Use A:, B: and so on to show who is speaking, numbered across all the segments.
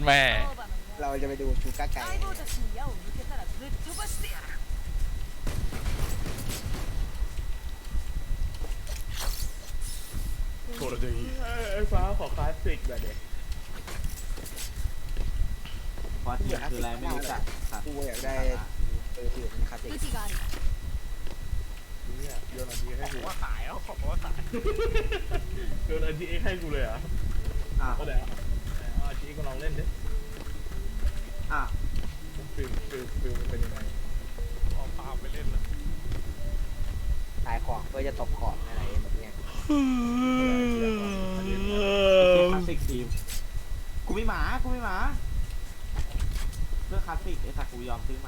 A: แม่
B: เราจะไปดูชูก้าไก่
C: これでいい
D: ไอ้ฟ้าขอคลาสสิกแบบเด็ก
E: เพราะที่คืออะไรไม่รู้จักครับ
B: กูอยากได้ที่เป็นคลาสสิก
D: เนี่ยโยนอันดีให้กู
F: ว่าขายเอาของว่าขาย
D: โยนอันดีให้กูเลยเหรอ
E: อ่ะ
D: ก็ได้เอาอันดีก็ลองเล่นดิ
E: อ่ะ
D: ฟิลมันเป็นยังไง
F: เอาปาไปเล่นแล้ว
B: ขายของเพื่อจะตบของอะไรแบบเนี้ย
E: คลาสสิกทีมกูไม่หมาเพื่อคลาสสิกไอ้สักกูยอมซื้อหมา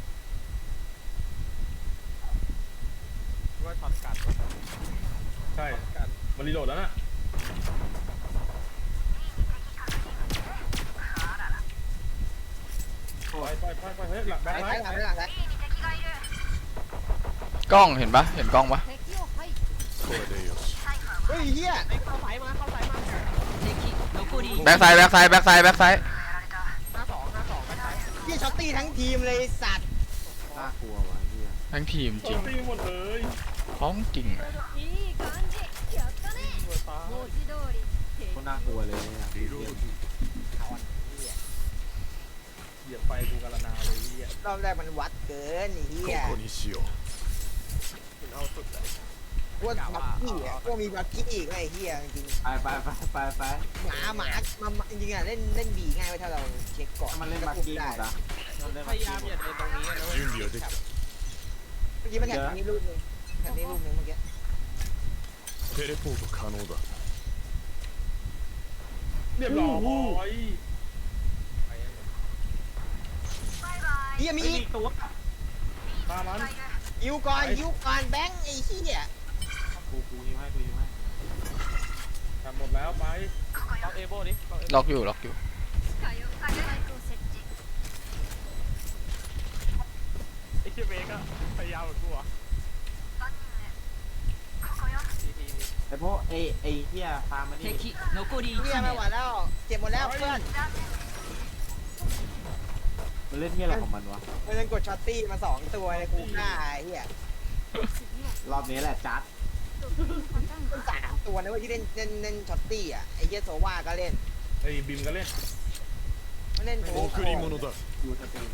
F: ว่าช็อตกัด
D: ใช่มันรีโหลดแล้วน่ะไปเฮ้ยหลับแบงค์
B: ไป
D: ไว้
B: หลังไปหลังไป
A: กล้องเห็นปะเห็นกล้องปะ
C: これでよし
B: เฮ้ยเฮีย
F: เข้าสายมา
A: แบ็กไซด์แบ็กไซด์แบ็กไซด์แบ็กไซด์
F: 52ไปไหน
B: เฮียช็อตตี้ทั้งทีมเลยสัตว์
E: น่ากลัวว่ะเฮีย
A: ทั้งทีมจริง
D: ตีหมดเลย
A: ของจริงเลย
E: ก็น่ากลัวเลยเนี่ย
D: เหยียบไฟกูกาลนาเลยเฮีย
B: รอบแรกมันวัดเกินเฮีย
C: ここにしよう
F: ถึงเอาสุดเลย
B: พวกบักกี้อ่ะพวกมีบักกี้อีกไอ้เฮียจริง
E: ไป
B: หมาจริงๆอ่ะเล่นบีง่ายไว้ถ้าเราเช็คก่อน
E: มันเล่นมากี้หมดอ่ะมันเล่น
F: พ
E: มาย
F: ายามอย่าเดินตรงนี้นะเว้ย
C: 準備はできた
B: เมื่อกี้มันแข่งนี้ลูกนึงแข่งนี้ลูกนึงเมื่อกี้
C: テレポート可能だ
D: เรียบร้อย
B: เฮียมี
E: ไม่มีตัว
D: มามัน
B: ยิวก่อนแบงค์ไอ้เฮีย
E: กูยิ้มให้
D: ทำหมดแล้วไป
F: ล็อกเอโบดิ
A: ล็อกอยู่
F: ไอ้เชี่ยเบก็พยายามเหมือนกูอ่ะที
E: ไอ้พวกไอ้เฮียฟาร์มมันนี่
B: เฮียไม่ไหวแล้วเจ็บหมดแล้วเพื่อน
E: มันเล่นเฮียอะไรของมันวะ
B: มันกดช็อตตี้มา2ตัวเลยกูฆ่าไอ้เฮีย
E: รอบนี้แหละจัด
B: มัน3ตัวนะเว้ยที่เล่นช็อตตี้อ่ะไอ้เฮียโซวาก็เล่น
D: ไอ้บิมก็เล่น
B: มันเล่นโถ
C: 贈り物だ
E: ดูสตรีม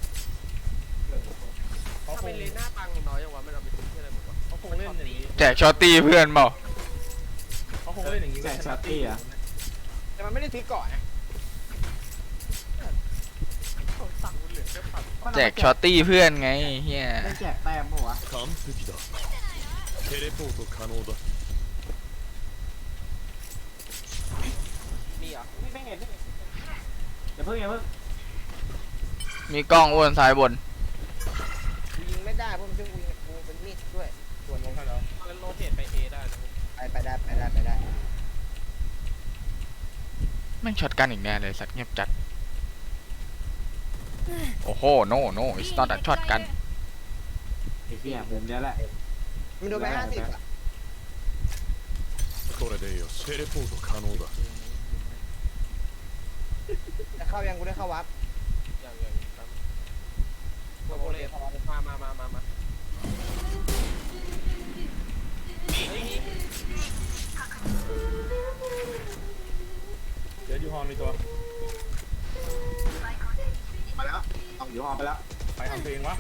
D: เขา
F: ถ้า
D: ค
F: เป็
D: ง
F: นเลน่าตังน้อยอย่างวะมันเอาไปซื้อที่อะไรหมดวะ
D: เขาคงเล่นอย่างนี้
A: แจกช็อตตี้เพื่อนเปล่า
D: เขาคงเล่นอย่างนี้
B: แต่มันไม่ได้ซื้อก่อนนะ
F: สั่งเหลือแค่พัน
A: แจกช็อตตี้เพื่อนไงเฮีย
E: เล่นแจกแต้มปะวะ
C: 完璧だテレポート可能だ
F: มีเหรอ
E: ไม่เห็นอย่าเพิ่ง
A: มีกล้องอ้วนซ้ายบน
B: กูยิงไม่ได้เพราะมันซึ่งกูเป็นมีดด้วยส่วน
D: ลงให้แล้ว
F: มันโรเตทไปเอได้นะ
B: ไปได้
A: แม่งช็อตกันอีกแน่เลยสัตว์เงียบจัดโอ้โห no it's not a ช็อตกัน
E: ไอ้เฮียมุมเนี้ยแหละ
B: มันโดนไป50อ่ะ
C: これでよしテレポート可能だ
B: แต่เข้ายังกูได้เข้าวับ
F: อย่างโรเลตมาเฮ้ย
D: เดี๋ยวยูฮอนมีตัว
E: ไปแล้วเอาอยู่หอไปแล้ว
D: ไปทำเพลงวะ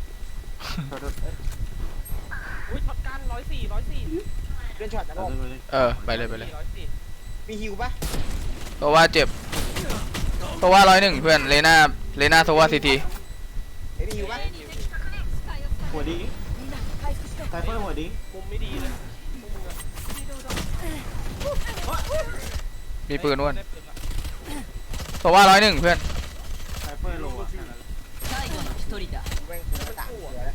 F: อุ้ยช็อตกัน104
B: เล่นช็อตนะผม
A: ไปเลย
F: 104
B: มีฮิวปะ
A: ตัวว่าเจ็บตัวว่า101เพื่อนเลน่าตัวว่าCT
B: เฮ้ยมีฮิวปะ
E: หัวดิ้งไซเฟอร์หัวดิ้ง
F: มุมไม่ดีเลยพวกมึงอะ
A: มีปืนอ้วน
F: ได้ปืนละ
A: ตัวว่า101เพื่อน
E: ไซเฟอร์โลอ่ะ
B: กูแม่งกู3ตัวแล้ว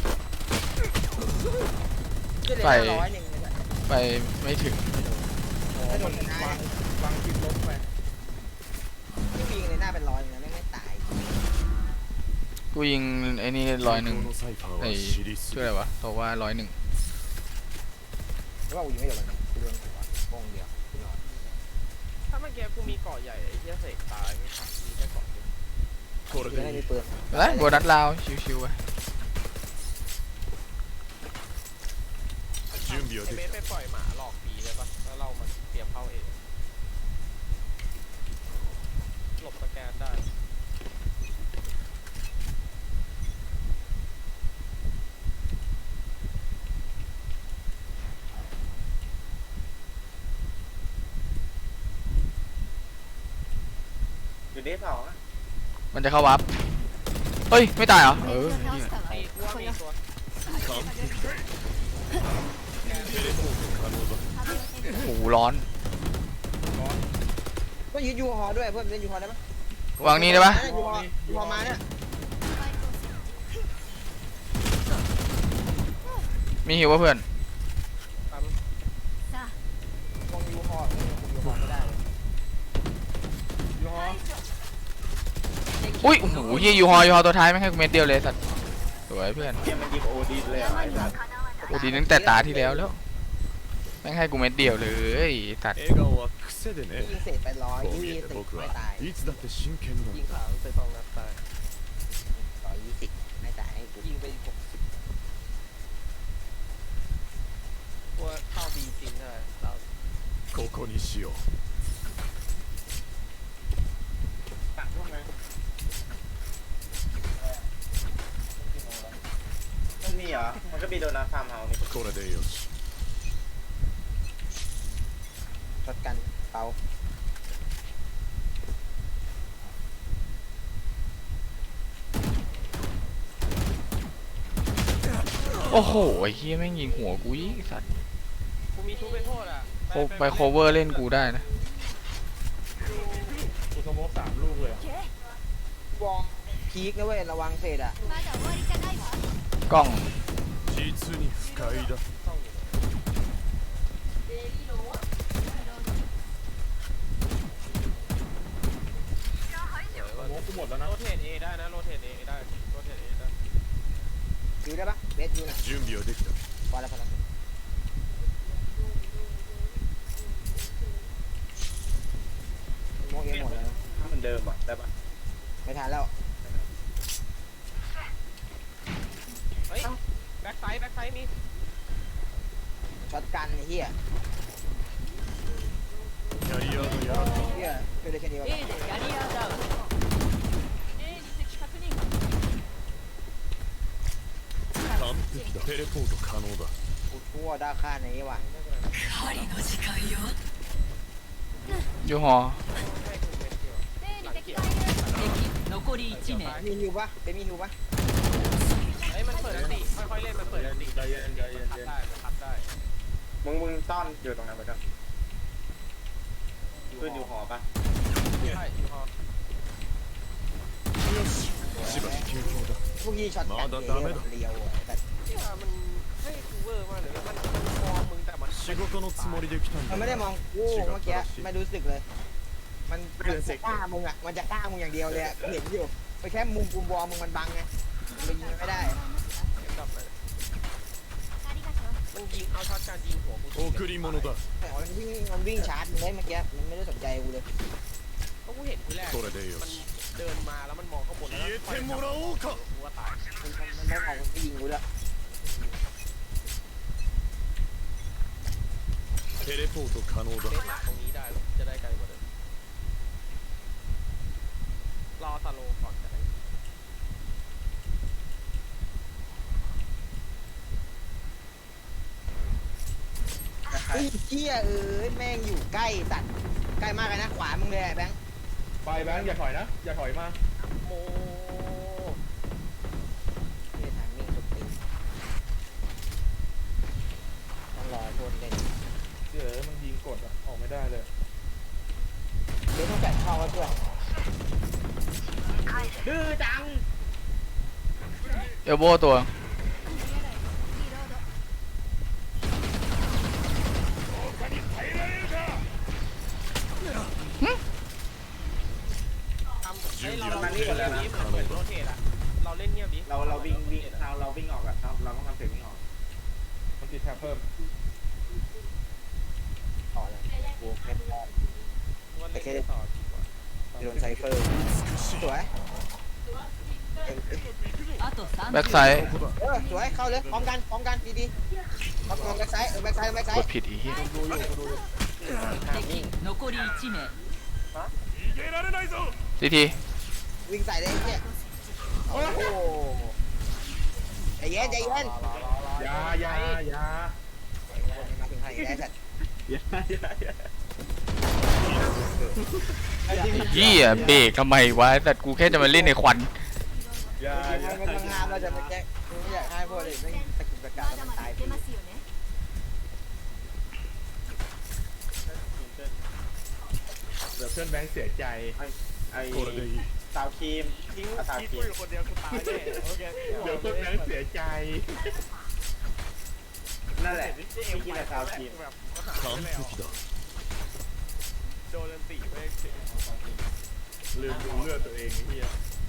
A: ไป
B: 100เลยนะ
A: ไปไม่ถึง
D: โอ้มันวางคิดลบไป
B: ที่ยิงเลยหน้าเป็น100เลยนะไม่ตาย
A: กูยิงไอ้นี่101
C: このサイファー
A: ไอ้
C: は知りす
A: ชื่อ
C: ぎ
A: อะไรวะตัวว่า101
B: หรือว่ากูยิงไม่โดนมันกูโดนหัวโป้งเดียวกูนอน
F: ถ้าเมื่อกี้กูมีเกาะใหญ่ไอ้เหี้ยเสกตายไม่ทัน
C: これ
B: จะได้
C: でい
B: มี
C: い
B: ปืน
A: ไปโบนัสลาวชิวๆไป
C: 準備は
F: ไอ
C: で
F: เบ
C: き
F: สไปปล่อยหมาหลอกผีเลยปะแล้วเรามาเตรียมเข้าเองหลบสแกนได้
G: อยู่ที่สองอะ
A: มันจะเข้าวับเฮ้ยไม่ตายเหรอ
E: 敵
A: เออ
E: を倒したわ
F: ไอ้อ้วนมีตัว
C: た完璧だテレポート可能だ
A: โอ้โหร้อน
B: ก็ยืดยูฮอด้วยเพื่อนเล่นยูฮอได้ไหม
A: วางนี่ได้ปะ
B: ยูฮอมาเนี่ย
A: มีหิววะเพื่อน
E: さあ
B: วางยูฮอยูฮอไม่ได้
D: ยูฮอ
A: อุ้ยโอ้โหเฮียยูฮอตัวท้ายไม่ให้กูเม็ดเดียวเลยสัตว์สวยเพื่อน
G: เกมมันยิงโอดีเลยอะไอ้สัส
A: โอ้ดีตั้งแต่ตาที่แล้วแม่งให้กูเม็ดเดียวเลยสัตว์
C: 笑顔は癖でね
B: ยิงเสร็จไปร้อย
C: こう
B: ยี่
C: 見え
B: สิ
C: て
B: บ
C: 僕
B: ไม่
C: は
B: ตาย
C: いつだって真剣なん
F: ยิง
C: だ
F: ขาวไป2 นัดตาย
B: 120ไม่ตายให้กู
F: ยิงไป60ว่าเข้าบีจริงใช่ไหมเรา
C: ここにしよう
G: ต่างพวกนั้นมันมีเหรอ มันก็มีโดนัทฟาร์มเฮาส์นี่
C: これでよし
B: ช็อตกันเปา
A: โอ้โหไอ้เฮียแม่งยิงหัวกูอีกสัตว์
F: กูมีทุบไปโทษอ่ะ
A: ไปโคเวอร์เล่นกูได้นะ
D: กูสโมก3 ลูกเลยอะ
B: วองพีกนะเว้ยระวังเศษอ่ะ
E: まだ終わりじゃないわ
A: กล้อง
C: 実に不快だ
F: ต้องอยู่สวย
D: สโม
F: ว่ะ
D: กกูหมดแล้วนะ
F: โรเทตเอได้นะโรเทตเอได้โรเทตเอได้
B: ยูได้ปะเบสยูน่ะ
C: 準備はできた
B: พอแล้วพอแล้วโมเอหมดแล้ว
G: เหมือนเดิมอ่ะได้ปะ
B: ไม่ทันแล้ว
F: เฮ้ยแบ็คไซด์มี
B: ช็อตกันไอ้เหี้ย
C: キャリアがやられ
B: เหี้ยช่วยได้แค่นี้วะ
E: A でキャリアダウン A に敵確認
C: た完璧だテレポート可能だ
B: กูชั่วด้าค่าไหนวะ
A: ยูฮอ
E: A に敵がいる残り1名
B: มีฮิวปะเป็นมีฮิวปะ
F: เฮ้ยมันเปิดอันติค่อยๆเล่นมันเปิดอันติ
D: ใจเย็นใจเย็น
F: คั
D: ใจ
F: ด
D: เย็น
F: ได้มันคัดได้
G: มึงซ่อนอยู่ตรงนั้นไปก่อนขึ้นอยู่หอปะ
F: ใช่ยูฮอ
C: しばし休憩だ
B: พวกยี่ช็อตกันเลี้ยวแต่
F: ที่ว่ามันให้กูเวอร์มากเลยนะมันมองมึงแต่มัน
C: 仕事のつもりで来たん
B: มัน
C: だ
B: ไม่ได้มองกูเมื่อกี้ไม่รู้สึกเลย มันจะกล้ามึงอ่ะมันจะกล้ามึงอย่างเดียวเลยเห็นอยู่ไปแค่มุมกูบอลมึงมันบังไงมันยิงไม่ได้
F: กลับไป
E: ありがとう
F: มันยิงเอาช็อตการยิงหัวกู
C: 贈り物だ
B: แต่มันวิ่งชาร์จมึงได้เมื่อกี้มันไม่ได้สนใจกูเลย
F: เพราะกูเห็นทีแรก
C: これでよ
F: มัน
C: し
F: เดินมาแล้วมันมองข้างบนแล้ว
C: 消えてもらおうか
F: กูว่าตาย
B: มันไม่มองมันยิงกูเลย
C: テレポート可能だ
F: เล่นหมาตรงนี้ได้แล้วจะได้ไกลกว่าเดิมรอสโลก่อนจะได้
B: ไอ้เหี้ยแม่งอยู่ใกล้สัตว์ใกล้มากเลยนะขวามึงเลยแบงค์
D: ไปแบงค์อย่าถอยนะ อย่าถอยมา
F: โม
B: นี่ทางมิ่งสุดตีต้องรอโดนเล่น
D: เดี๋ยวมันยิงกดอะออกไม่ได้เลย
B: เดี๋ยวต้องจัดเข้าไว้เพื่อน
G: ดื้อจัง
A: เอลโบตัว
E: リロード
F: ทำเฮ้ยเราเล่นเงียบดิเหมือนโรเทตอะเราเล่นเงียบดิ
G: เราวิ่งเราวิ่งออกอะเราต้องทำเสียงวิ่งออก
D: มันติดแท็บเพิ่ม
B: ต่อเลยกูไม่พอ
F: ว่าเล่นต่อดีกว่า
B: โดนไซเฟอร์สวย
E: あと3
A: แบ็กไซด์
B: สวยเข้าเลยพร้อมกันดีๆพร้อมแบ็คไซด์แบ็คไซด์
A: กดผิดอีกที
E: 敵残り1名
C: 逃げられないぞ
A: ซีที
B: วิ่งใส่เลยไอ้เนี่ยโอ้โหใจเย็น
D: อย่า
B: มาถึงใครได้สัตว์
A: เหี้ยเบรกทำไมวะแต่กูแค่จะมาเล่นในควัน
B: มันงามเราจะมาแก้ไม่อยากให้พวกเด็กไม่ตะกุกตะกักแล้วมันตายฟรี
D: เดี๋ยวเพื่อนแบงค์เสียใจ
G: ไอ้
C: これでいい
G: สาวครีมทิ้งสาว
F: คิด
G: ครี
F: กู
G: ม
F: อยู่คนเดียวกูตายแน่โอเค
D: เดี๋ยวเพื่อนแบงค์เสียใจ
G: นั่นแหละที่กินแต่สาวครีม
F: แบบ
C: 完璧だ
F: โดนตีไป
D: ลืมดูเลือดตัวเองไอ้เหี้ย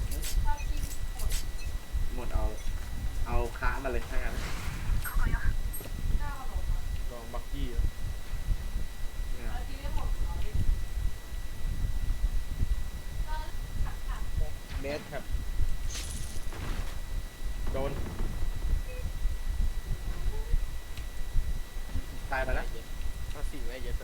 G: หมดเอาค้ามาเลยถ้างั้น
D: ลองบักกี้
B: เบส
D: โดน
G: ตายไปแล้ว
F: มาสี่ไว้เยอะ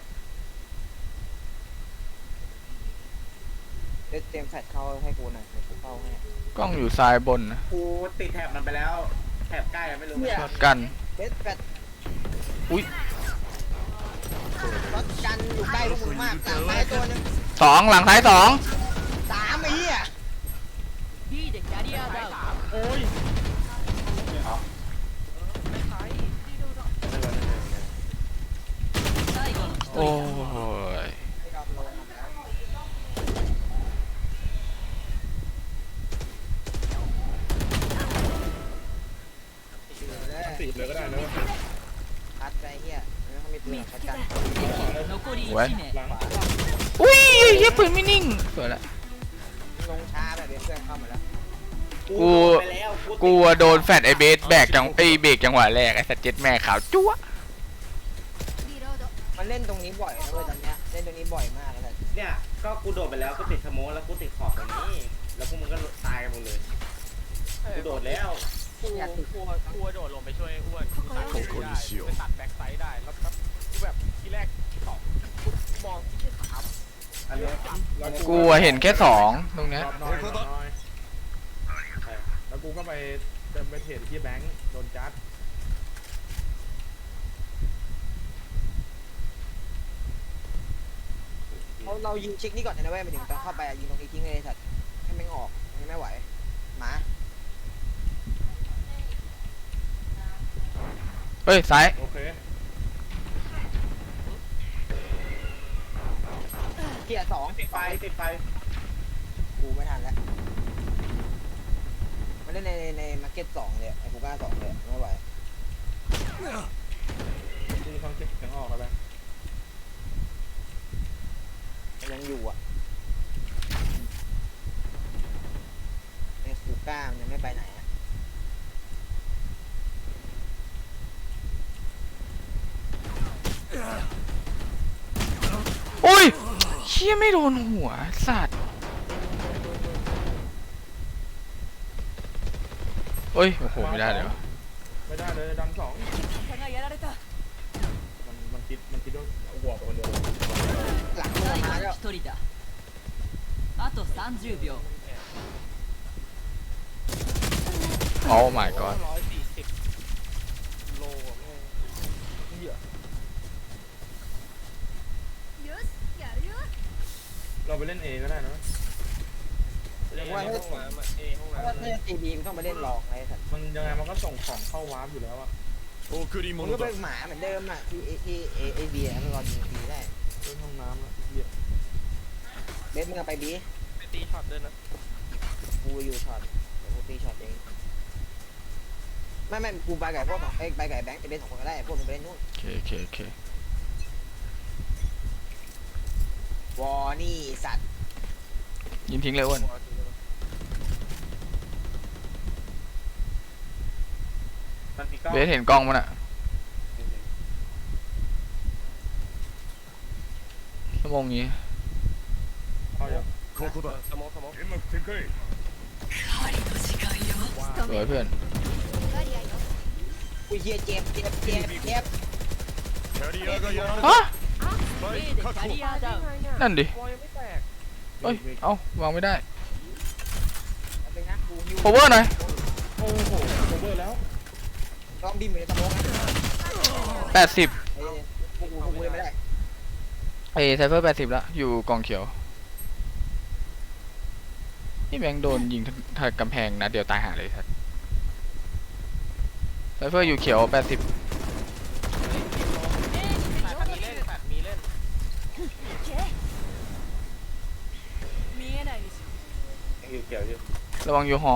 B: เบสเตรียมแฟลชเข้าให้กูหน่อยเดี๋ยวกูเข้าให้
A: กล้องอยู่ซ้ายบนนะ
G: กูติดแถบมันไปแล้วแถบใกล้อะไม่รู้
A: ช็อตกัน
B: เบสแฟลช
A: อุ้ย
B: ช็อตกันอยู่ใกล้พวกมึงมากหลังไม้ตัวนึง
A: สองหลังซ้ายสอง
B: 3ไอ้เหี้ย
E: B でキャリアダウン
D: โอ้ย
E: 最後の
A: โอ้
E: 1人
A: ย
B: ไม่ยอมลงแล้ว
D: สี่เลยก็ได้นะ
B: พัดไปเหี้ยแล้วเขามีปืนช็อตกัน
E: 残り1名
D: หลัง
A: อุ้ยเหี้ยปืนไม่นิ่งสวยละ
B: ลงช้าแบบเพื่อนเข้ามาแล้ว
G: ไปแล้ว
A: กูโดนแฟดไอเบสแบกจังไอเบรกจังหวะแรกไอสัตว์เจ็ดแม่ขาวจั๊ว
B: มันเล่นตรงนี้บ่อยนะเว้ยตอนเนี้ยเล่นตรงนี้บ่อยมากเลย
G: เนี่ยก็กูโดดไปแล้วกูติดสโมแล้วกูติดขอบตรงนี้ แล้วพวกมึงก็ตายกันหมดเลยกูโดดแล้ว
F: กูโดดลงไปช่วยอ้วนตัดได้ไปตัดแบ็คไซด์ได้แล้วกูแบบที่แรกสองมองที่สาม
G: อันนี้
A: กูเห็นแค่สองตรงเนี้ย
D: รอบน้อยแล้วกูก็ไปเดินไปเทรดที่แบงค์โดนจัด
B: เรายิงชิกนี่ก่อนนะเว้ยไปถึงตอนเข้าไปยิงตรงนี้ทิ้งเลยสัตว์ให้แม่งออกยังไม่ไหวหมา
A: เฮ้ยซ้าย
D: โอเค
B: เกียร์2
G: ติดไฟติดไฟ
B: กูไม่ทันแล้วมันเล่นในมาร์เก็ต2เลยไอ้กูกล้า2เลยไม่ไหว
D: กูฟังเสียงออกแล้วแบงค์
B: มันยังอยู่อ่ะไอ้กูกล้ามันยังไม่ไปไหนอ่ะ
A: อุ้ยเชี่ยไม่โดนหัวสัตว์เฮ้ยโอ้โหไม่ได้เลยวะ
D: ไม่ได้เลยดันสอง
E: 差がやられた
D: มันคิดว่าหัวไปคนเดียว
B: หลังมึง
E: 最
B: มา
E: 後
B: แล้ว
E: の1人だあと30秒
A: โอ้ my god
F: 140โลอ่ะแม่งเหี้ย
D: เราไปเล่นเอก็ได้นะ
B: ว่า
F: ห้
B: ถ้า
F: องน้ำห้อง
B: ถ้า
F: น้ำ
B: ตีบีมันต้องไปเล่นลองไอ้สัตว์
D: มันยังไงมันก็ส่งของเข้าวาร์ปอยู่แล้วอะ
C: 贈り
B: มึง
C: 物
B: ก็
C: だ
B: เป็นหมาเหมือนเดิมอ่ะที่เอบีมันรอยิงบีได้
D: เล่นห้องน้ำแล้วเหี้ย
B: เบสมึงเอาไปบี
F: ไปตีช็อตด้วยนะ
B: กูอยู่ช็อตเดี๋ยวกูตีช็อตเองไม่กูไปไก่พวกของไปไก่แบงค์จะเล่น2 คนก็ได้พวกมึงไปเล่นนู่น
A: โอเคโอเคโอเคว
B: อนี่สัตว์
A: ยิงทิ้งเลยอ้วน
G: มันมีกล้อง
A: เบสเห็นกล้องมันอะชั่วโมงนี้
D: เข้าอย่าง
C: ここだ
F: สมอง
C: 煙幕展開
A: สวยเพื่อน
B: อุ้ยเฮียเจ็บเจ็บเจ็บเจ็บ
C: キャリアがやられ
A: ฮะ
C: たスパイ
E: A
C: ク
E: でキ
C: 確保
E: ャリアダウン
A: นั่นดิ
F: วอลยังไม่แตก
A: เอ้ยเอ้าวางไม่ได้
B: เป็นนะกูฮิว
A: cover หน่อย
D: โอ้โหโอเวอร์แล้ว
B: ต้องบินอยู่ในสมองนะ
A: 80
B: เอ้ยพวกกูเลยไม่ได้
A: ไอ้ไซเฟอร์80ละอยู่กองเขียวนี่แบงค์โดนยิงทางกำแพงนะเดี๋ยวตายหาเลยทัดไซเฟอร์อยู่เขียว80
F: แปดมีเล่นแปดมีเล่น
E: 見えないでしょ
G: ยังอยู่เกี่ยวอยู่
A: ระวังยูฮอ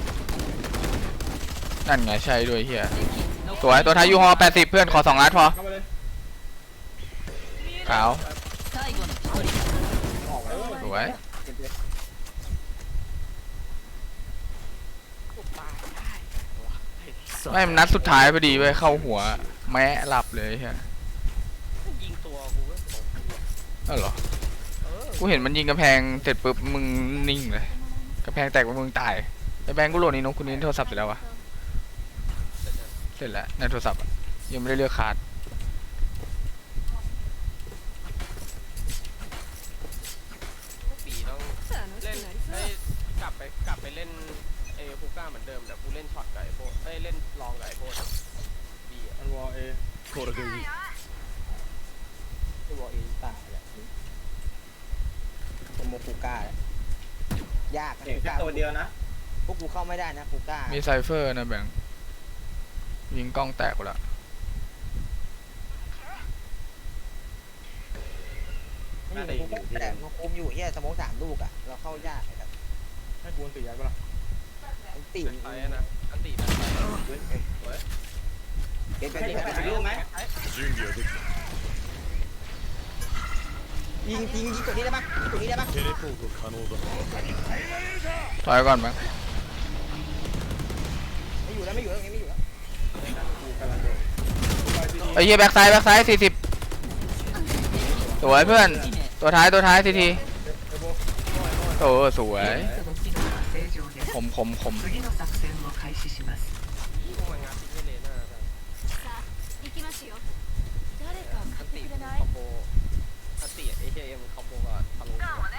A: นั่นไงใช่ด้วยเฮีย
E: 残
A: สวยตัวท้ายยูฮอ80เพื่อนขอ2 นัดพอ
D: เข้าไปเลย
A: ขาว
E: 最後の一人
B: ออกแล้ว
A: สวย
B: เจ็บเลย
A: ไม่มันนัดสุดท้ายพอดีเว้ยเข้าหัวแม้หลับเลยเฮีย
F: ยิงตัวกูก็ตก
A: เออเหรอ กูเห็นมันยิงกำแพงเสร็จปุ๊บมึงนิ่งเลยกำแพงแตกมึงตายไอ้แบงค์กูโหลดนี่นกคุณนี้โทรศัพท์เสร็จแล้ววะเสร็จแล้วในโทรศัพท์อะยังไม่ได้เลือกคาร์ด
F: ปีต้องเล่นให้กลับไปเล่นเอฮูก้าเหมือนเดิมแต่กูเล่นช็อตกับไอ้โบเอ้ยเล่นลองกับไอ้โบดีอ่ะ
D: มันวอลเอ
C: これでいい
B: ตัวเอตายแหละตัวโมกูก้าแหละยากนะ
G: เห็น
B: กู
G: แค่
B: ก้า
G: ตัวเดียวนะ
B: พวกกูเข้าไม่ได้นะกูก้า
A: มีไซเฟอร์นะแบงค์ยิงกล้องแตกหมดละ
B: ไม่อยู่กูแต่มันคุมอยู่เฮียสมอง3 ลูกอ่ะเราเข้ายากไอ้แบบ
D: ให้กูนตีย้ายปะล่ะ
B: มันตี
F: เป็นไปนะอันตีนะไป
B: เก็บไป
G: ให้
B: ที่
G: แปดลูกไหม
C: 準備はできた
B: ยิงตัวนี้ได้ปะยิงตัวนี้ได้ปะ
C: テレポート可能だ
A: ถอยก่อนแบงค์
B: ไม่อยู่แล้วไม่อยู่แล้วตรงนี้ไม่อยู่แล้ว
D: กูกำลังโดนไปซีดี
A: ไอ้เหี้ยแบ็กไซด์40สวยเพื่อนตัวท้ายทีที
D: ไอ้โบ
A: โอ้สวย
E: 正常です
A: คม
E: 次の作戦を開始します
F: พวกมันงานทิ้งให้เลน่าได้
E: 行きますよ誰か
F: อันตีคอมโบอันตีเอเอ็มคอมโบกับทะลุ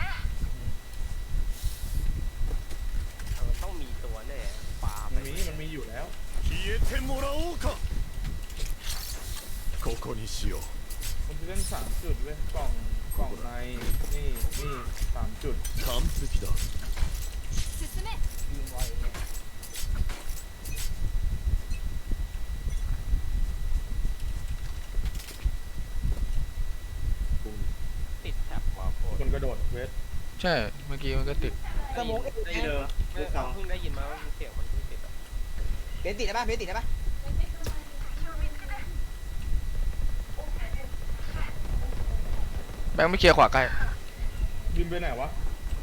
F: ต้องมีตัวแน่ปลาไป
D: มันมีอยู่แล้ว
C: 消えてもらおうかここにしよう
D: มันจะเล่น3 จุดเว้ยกล่องในนี่3 จุด
C: 完璧だ
E: 進め
B: ยิงไวเนี่ย
F: ติดแท็บมาโคต
D: คนกระโดดเวท
A: ใช่เมื่อกี้มันก็ติด
B: สมอง
G: ที่เดิมลูกสอง
F: เพิ่งได้ยินมาว่าเสียงมันเพิ่งติดอ่ะ
B: เบสติดได้ปะเบสติดได้ปะ
A: แบงค์ไม่เคลียร์ขวาใกล้
D: บินไปไหนวะ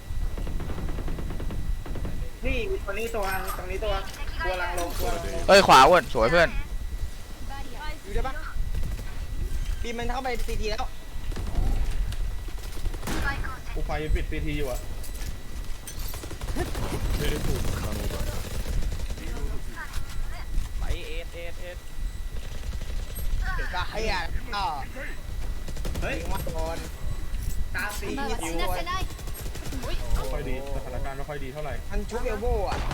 G: นี่ตัวนี้ตัวตรงนี้ตัวลังลงตัวลังลง
A: เอ้ยขวาอ้วนสวยเพื่อน
B: อยู่ได้ปะบีมมันเข้าไปซีทีแล้ว
D: กูไฟปิดซีทีอยู่อะ
C: テレポート可能だ
F: ไปเอส
B: เดี๋ยวก็ไอ้อะก็
G: เฮ้ย
B: ยิงว่าโดน
G: ตาสี
E: 今は
G: คิ
E: 死
G: ว
E: なせない
D: ไม่ค่อยดีสถานการณ์ไม่ค่อยดีเท่าไหร่
B: มันชุบเอลโบ้อะ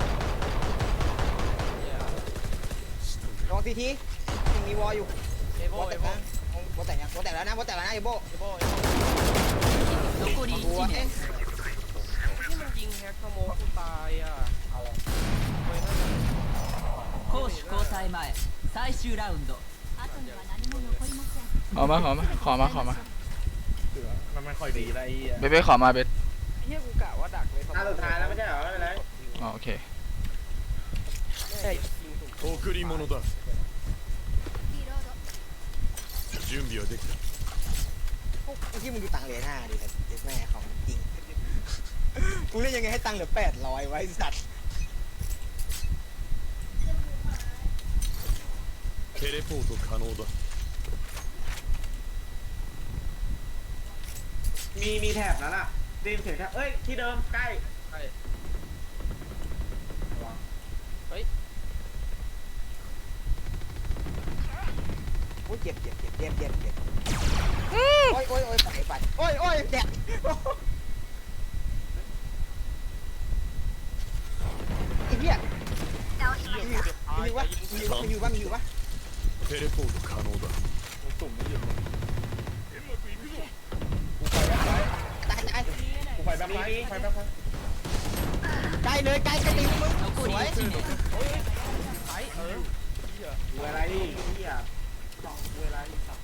B: ลองซีทียังมีวอลอยู่
F: เอโบ
B: วอล
F: เอ
B: แต่ง
F: โบ
B: นะวอลแต่งยังวอลแต่งแล้วนะวอลแต่งแล้วนะเอลโบ้
F: เอโบ
E: 残り
B: วอล
E: 1
B: เอ๊ะ
E: 名
F: ที่มันยิงแฮกขโมยกูตายอ่ะ
B: อะไร
E: 攻守交代前最終ラウンド後には何も残りません
A: ขอมา
D: เสือมันไม่ค่อยดีอะไรไอ้เหี้ย
A: เบสขอมาเบส
F: เฮียกูกะว่าดักเลย
G: ตาสุดท้ายแล้วไม่ใช่เหรอไม่เป็นไร
A: อ๋อโอเค
C: 贈り物だ準備はできた
B: พวกที่มึงดูตังค์เหรียญ5ดิเด็กแม่ของจริงกูเล่นยังไงให้ตังค์เหลือ800ไว้สัตว์
C: テレポート可能だ
G: มีแถบนั้นอ่ะดีมเห็นแถบเอ้ยที่เดิมใกล้
B: เจ็บโอ้ยไปโอ้ยแดดไอ้เหี้ยมีอยู่ปะ
C: テレポート可能だ
D: มึงตุ่มไม่หยุดเลย
B: ตาย
D: กูไฟแบ็คไลท์ไฟแบ็คไลท์
B: ใกล้เลยใกล้ตีมึงสวย
F: ไอ้เหี้ย
G: เวลาที่เหี้ยเวลาที่สับ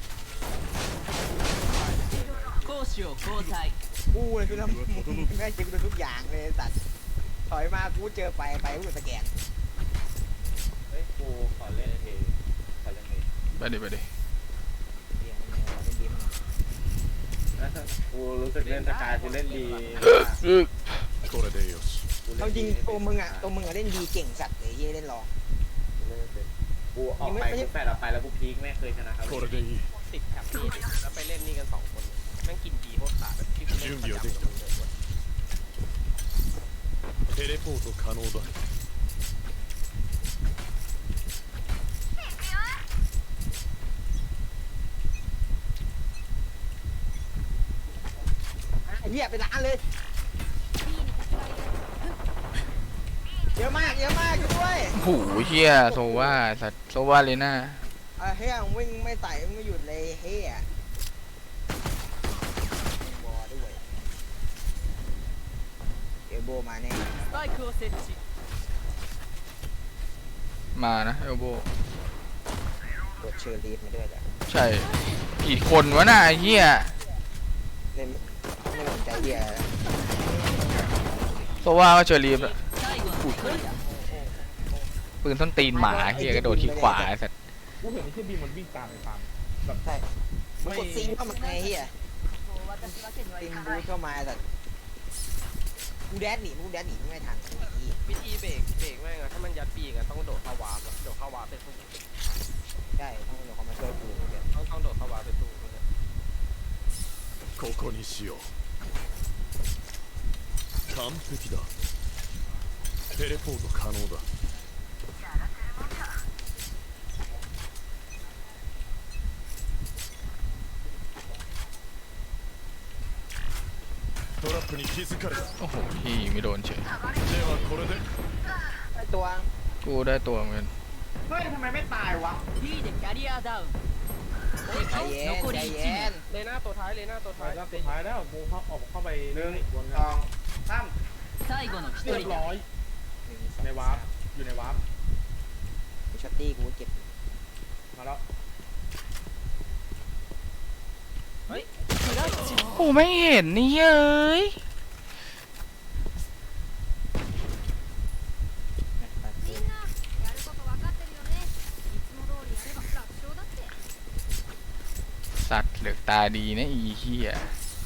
E: 攻守を交代
B: กูเลยคือทำแม่งเจอกูทุกอย่างเลยสัตว์ถอยมากูเจอไปกูสแกน
G: เฮ้ยกูขอเล่นเองขอเล่นเอง
A: ไปดิไปดิ
G: กูรู้สึกเล่นสกายกูเล่นดี
C: これでよし
B: เอาจริงตัวมึงอะเล่นดีเก่งสัตว์เลยเล่นรอง
G: กูออกไปกูแปดออกไปแล้วกูพีคไม่เคยชนะครับ
C: これでいい
F: ติดแถบนี่ดิแล้วไปเล่นนี่กัน2 คนแม่งกินดีโคตรขาดแบบที่กูเล่นประจำเลย
C: テレポート可能だ
B: เหี้ยไปร้านเลยเยอะมากด้วย
A: โอ้โหเฮียโซว่าสัตว์โซว่าเลยน่า
B: เฮียวิ่งไม่ใส่ไม่หยุดเลยเฮียบอด้วยเอลโบมาแน่
E: スパイクを設置
A: มานะเอลโบ
B: กดเชอร์ลีฟมาด้วยจ้ะ
A: ใช่กี่คนวะน่ะไอ้เฮีย
B: เล่นไม่สนใจเฮีย
A: โซว่าก็เจอรีบอะ
E: 最後の一人だ
A: ปืนส้นตีนหมาเฮียกระโดดที่ขวาไอ้สัตว์
D: กูเห็นไอ้ที่บีมันวิ่งตามไปตามแบบ
B: ใช่มึงกดซิงเข้ามาไงเฮีย
E: もう渡すわけには
B: ซิ
E: い
B: ง
E: か
B: บู
E: ない
B: เข้ามาแต่กูแดดหนีไม่ทัน
F: วิธีเบรกแม่งอะถ้ามันยัดปีกอะต้องโดดเข้าวาร์ปอะโดดเข้าวาร์ปเป็นสู้
B: ใช่ต้องเดี๋ยวเขามาช่วยกูเดี๋ยว
F: ต้องโดดเข้าวาร์ปเป็นสู้
C: ここにしよう完璧だテレポート可能だトラップに気づかれた
A: โอ้โหพี่ไม่โดนเฉย
C: ではこれで
B: ตัว
A: กูได้ตัวเหมือนกัน
G: เฮ้ยทำไมไม่ตายวะ
E: B でキャリアダウン
B: ใจเย็น
E: 残り
B: ใจ
E: 1
B: เย็น
E: 名
F: เลน่าตัวท้ายเลน่าตัว
D: ท้า
F: ท้าย ย
D: สุดท้ายแล้วกูเข้าไป
G: หนึ่ง
D: บน
G: สองสาม
E: 最後の一
D: เรีย
E: 人
D: บ
E: だ
D: ร้อยในวาร์ปอยู่ในวาร์ป
B: กูช็อตตี้กูเก็บ
D: มาแล้ว
E: クラッチ
A: โอ้ไม่เห็นนี่เอ้ย
H: みんなやること分かってるよねいつも通りやれば楽勝だって
A: สัตว์เหลือกตาดีนะอีเฮีย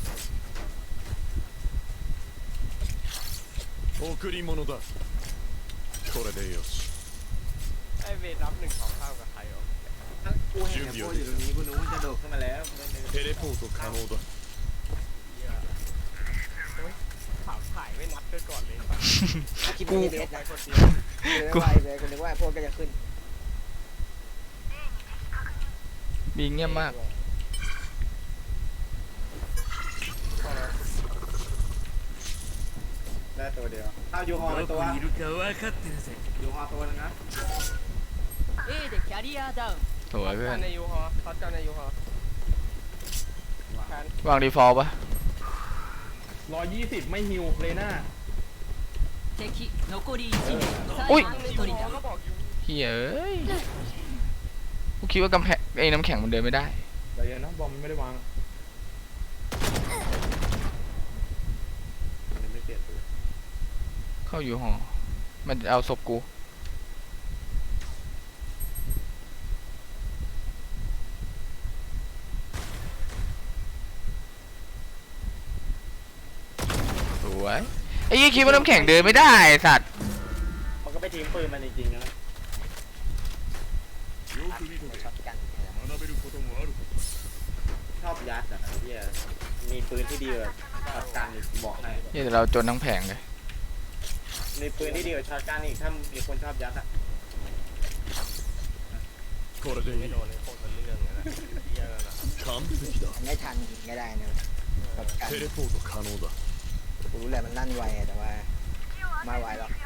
C: 贈り物だこれでよし
F: ไอเวทรับ1 2ข้ามกับใครวะ
G: กูเห็นไอ้โบอยู่ตรงนี้กูนึกว่าจะโดดขึ้นมาแล้ว
C: テレポート可能だ
F: ถ่ายไม่นับด้วยก่อนเลย
B: คิดว่ามีเดส
F: ไป
B: นะ
F: คนเดียว
B: กูไปเลยกูนึกว่าพวกก็จะขึ้น
A: บีเงียบมาก
G: ได้ตัวเดียวเอายูฮอตัวยูฮอตัวนึงนะ
E: A でキャリアダウン
A: สวยเพื่อ
F: กัน นในยูฮอท็อตกันในยูฮอแพน
A: วางดีฟอลต์ปะ
D: 120ไม่ฮิวเลน่า
E: 敵残り1名最後の一人だ
F: ก็บอกยู
A: เฮียเอ้ยกูคิดว่ากำแพงไอ้น้ำแข็งมันเดินไม่ได้
D: เดี๋ยวนะบอมไม่ได้วาง
G: มันไม่เปลี่ยนตัว
A: เข้าอยู่หอมันเอาศพกูสวยไอ้ยี่คิดว่าน้ำแข็งเดินไม่ได้ไอ้สัตว์
G: มันก็ไปทิ้งปืนมันจริงๆนะ
C: よく見とけ
B: ช็อตกัน
C: 学べることもある
G: ชอบยัดอ่ะเฮียมีปืนที่ดีกว่าช็อตกันอีกบอกให้
A: เฮียแต่เราจนทั้งแผงเลย
G: มีปืนที่ดีกว่าช็อตกันอีกถ้ามีคนชอบยัดอ่ะ
C: これでい
F: ไม่
C: い
F: โดนเลยโคตรเป็นเรื่องเลยนะเหี้ยนั่นน่ะ
C: 完璧だ
B: ไม่ทันยิงก็ได้นะแบบกัน
C: テレポート可能だ
B: กูรู้แหละมันลั่นไวอะแต่ว่าไม่ไหวหรอก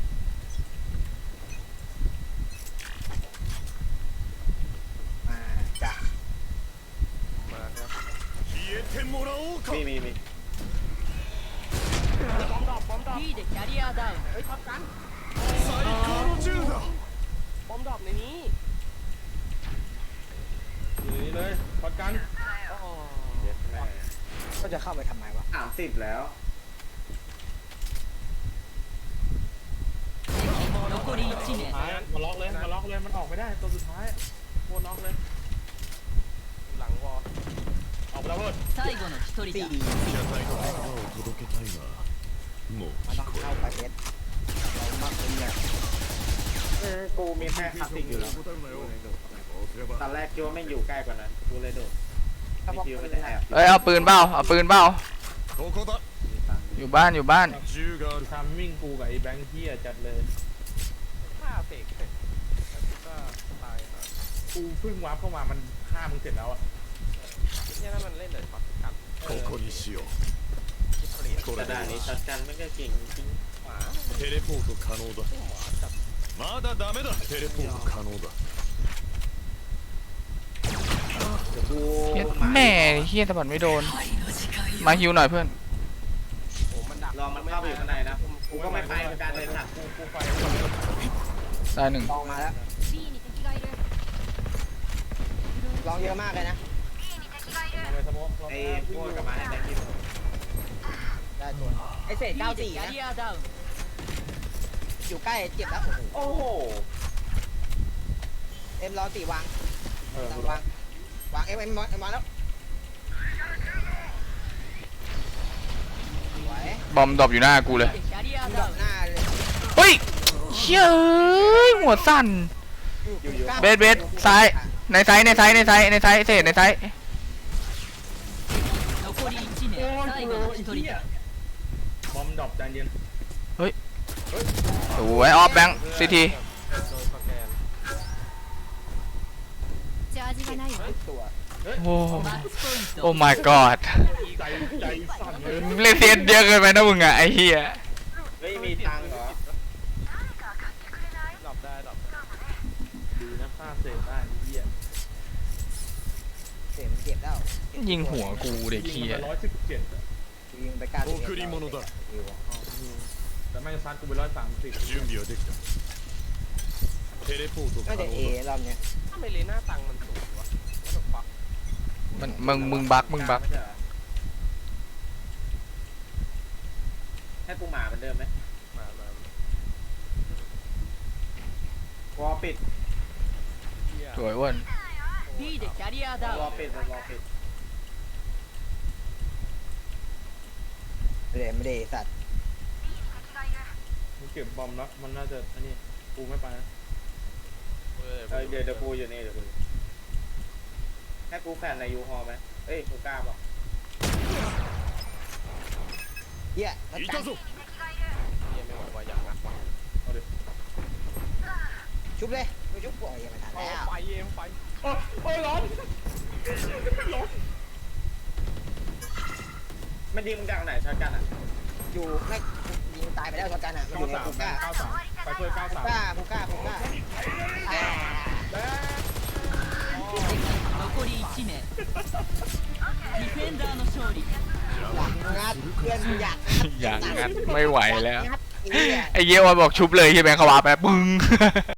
B: มาจ้ะ
F: มาครับ
C: 消えてもらおうか
G: มี
F: บอมดรอปบอมดรอป
E: B でキャリアダウン
F: เฮ้ยท็อปกัน
C: 最高の銃だ
F: บอมดรอปในนี้
D: อยู่นี่เลยพอดกัน
F: โอ้โห
G: เย็ดแม่
B: ก็จะเข้าไปทำไมวะ
G: 30แล้ว
E: 残り1名
D: ท้ายมาล็อกเลยมาล็อกเลยมันออกไม่ได้ตัวสุดท้ายโคตรล็อกเลย
F: อยู่หลังวอล
D: ออกไปแล้วเว้ย
E: 最後の1人
B: สี่
E: だ
B: ดี
C: 車体の言葉を届けたいがもう
B: มัน
C: 聞
B: ต้อง
C: こ
B: เข้าประเทศเรามากขึ้นเลย
G: กูมีแค่คาสิกอยู่แล้ว
C: えるなよそうすれ
G: ตอน
C: ば
G: แรกคิดว่าไม่งอยู่ใกล้กว่านั้นกูเลยโดดไม่คิดว่ามันจะแอบ
A: เอ้ยเอาปืนเปล่าเอาปืนเปล่า
C: ここだ
G: มีตังค์
A: อยู่บ้านอยู่บ้าน
C: 銃がある
D: ทำวิ่งกูกับไอ้แบงค์เฮียจัดเลย
F: ฆ่าเสกเสร็จแล้วก็ตายครับ
D: กูเพิ่งวาร์ปเข้ามามันฆ่ามึงเสร็จแล้วอ่ะ
F: เนี่ยนั่นมันเล่นแต่ช็อตกัน
C: ここにしよう
F: เปลี่ยน
C: こ
G: ก
C: れ
G: ระ
C: で
G: ดาษนี้ช็อตกันไม่ก็เก่งจริง
F: ขวา
C: テレポート可能だまだダメだテレポート可能だ
G: เดี๋ยวกู
A: เหี้ยแม่เฮียตะบัดไม่โดน มาฮิวหน่อยเพื่อน
F: โอ้มันดัก
G: ลองมันเข้าไปอยู่ข้างในนะกูก็ไม่ไปเหมือนกันเลยสัตว์
D: กูไฟ
A: ได้หนึ่ง
B: ลองมาแล้ว
H: B に敵がいる
B: ลองเยอะมากเลยนะ
D: มาเลยสโมก
G: ไอ้พวกกับมาให้แบงค์ที่
B: ได้ตัวไอเศษ
E: B でキャ
B: 94นะ
E: リアダウン
B: อยู่ใกล้เจ็บแล้วโอ้โห
G: โอ้โห
B: เอ็มรอสี่วาง
D: เออ
B: ต้องวางวางเอ็มวางแล้วสวย
A: บอมดรอปอยู่หน้ากูเลย
E: B でキャリア
B: ด
E: ダ
B: อ
E: ウ
B: ก
E: ン
B: หน้าเลย
A: เฮ้ยเชี่ยเอ้ยหัวสั่น เบสเบสซ้าย ในไซส์ในไซส์ในไซส์ในไซส์เศษในไซส์
E: 残り1名
D: โอ้ย
E: 最
D: กู
E: 後の
D: ไอ้
E: 1
D: เหี้
E: 人
D: ย
E: だ
D: บอมดรอปใจเย็น
A: โอ้ยออฟแบงค์ซีที
F: โดนสแกน
H: チャージがないわ
B: ตัว
A: โอ้
E: マッチポイント
A: โอ้ my god
D: ใจสั่นเลย
A: เล่นเซียนเยอะเกินไปนะมึงอะไอ้เหี้ย
G: ไม่มีตังค์เหรอ
F: ดรอปได้ดรอปได้
D: ดีนะฆ่าเสร็จได้ไอ้เหี้ย
B: เศษมันเจ็บแล้ว
A: ยิงหัวกูเด็กเหี้ย
D: ยิงมัน117อะ
B: ยิงไป91
C: 贈り物だ
D: แต่แม่งซัดกูไป130
C: 準備はできたテレポート可
B: น่า
C: 能
B: จะเอ
C: だ
B: รอบเนี้ย
F: ทำไมเลน่าตังมันสูงวะว่าตกปัก
A: มึงบักมึงบัก
G: ไม่ใช่เหรอให้กูหมาเหมือนเดิมไหม
F: มา
G: วอลปิด
F: เหี้ย
A: สวยอ้วน
E: B でキャリアダ
G: วอ
E: ウ
G: ล
E: ン
G: ปิดวอลปิด
B: ไม่ได้สัตว์
D: มึงเก็บบอมแล้วมันน่าจะอันนี้กูไม่ไปนะ
G: เดี๋ยวกูอยู่นี่เดี๋ยวกูให้กูแฟนในยูฮอลไหมเอ้ยกูกล้าบอก
B: เหี้ยแล้ว
C: い
B: กั
C: た
B: น
C: ぞ
F: เหี้ยไม่ไหวว่าอย่างนะ
D: เอาดิ
B: ชุบเลยไม่ชุบปล่อยยังไม่ทัน
F: เอา
B: แล้ว
F: ไฟเอ็มไฟ
D: โอ้ยร้อน
G: มันยิงมึงจากไหนช็อตกันอ่ะ
B: อยู่ไม่ยิงตายไปแล้วชนกันอ่ะมันอยู่ในภูก้า
D: 93ไปช่วย
B: ภูก้าภูก้าภูก้าอ่า
E: 残り1名ディフェンダーの勝利
B: หลังงัดเพื่อนอยาก
A: อย่างงั้นไม่ไหวแล้ว
B: งัดเหี้ย
A: ไอ้เหี้ยวันบอกชุบเลยใช่ไหมเขาว่าแป๊บปึ้ง